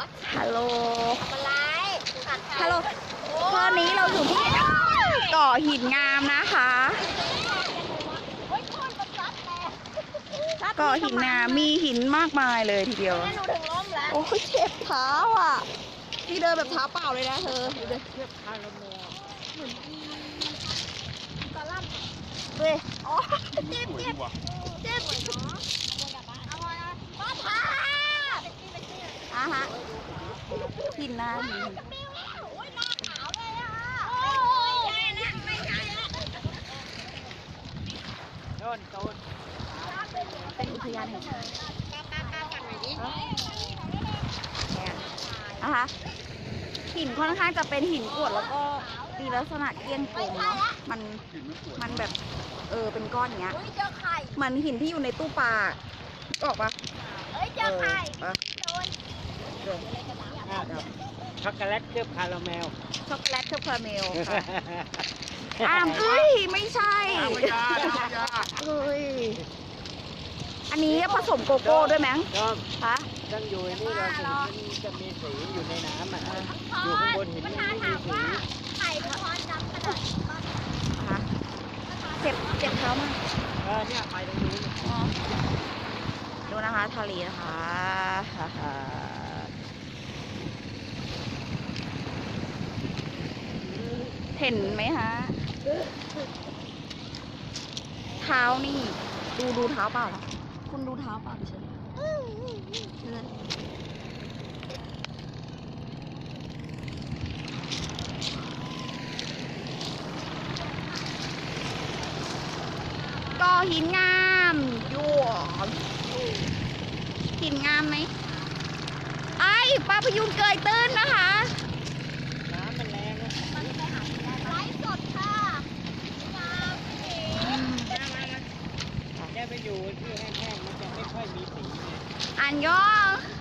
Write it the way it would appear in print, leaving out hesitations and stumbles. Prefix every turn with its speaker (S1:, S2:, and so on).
S1: ฮัลโหลฮัลโหลตอนนี้เราอยู่ที่เกาะหินงามนะคะเกาะหินงามมีหินมากมายเลยทีเดียวโอ้ยเจ็บเท้าอ่ะนี่เดินแบบเท้าเปล่าเลยนะเธอดูดิเจ็บขาลมเลยเหมือนตะล่ำเว้ยอ๋อเจ็บป้าพาฮะหินนะหินเป็นอุทยานแห่งชาตินะคะหินค่อนข้างจะเป็นหินกรวดแล้วก็มีลักษณะเกลี้ยงกลมเนาะมันแบบเป็นก้อนอย่างเงี้ยเหมือนหินที่อยู่ในตู้ปลาออกปะเจอไข่
S2: ช็อกโกแลตเคลือบคาราเมล
S1: ช็อกโกแลตเคลือบคาราเมลค่ะเฮ้ยไม่ใช่เฮ้ยอันนี้ผสมโกโก้ด้วยไหมคะ
S2: ต้องอยู่นี่เราจะมีสีอยู่ในน้ำอ่ะอยู่ข้างบนหินมันมีสี
S1: ไข่เป็นก้อนดำขนาดนี้ค่ะเจ็บเท้ามาก
S2: เนี่ยไปตรงนี้
S1: ดูนะคะทะเลนะคะเห็นไหมคะเท้านี่ดูเท้าเปล่าคุณดูเท้าเปล่าเฉยก็หินงามยั่วหินงามไหมไอ้ปลาพยูนเกยตื้นนะคะ
S2: น้ำมันแรงนะ
S1: ไลฟ์สดค่ะ
S2: แค่ไปอยู่ที่แห้งๆมันจะไม่ค่อยมีสี
S1: อันยอง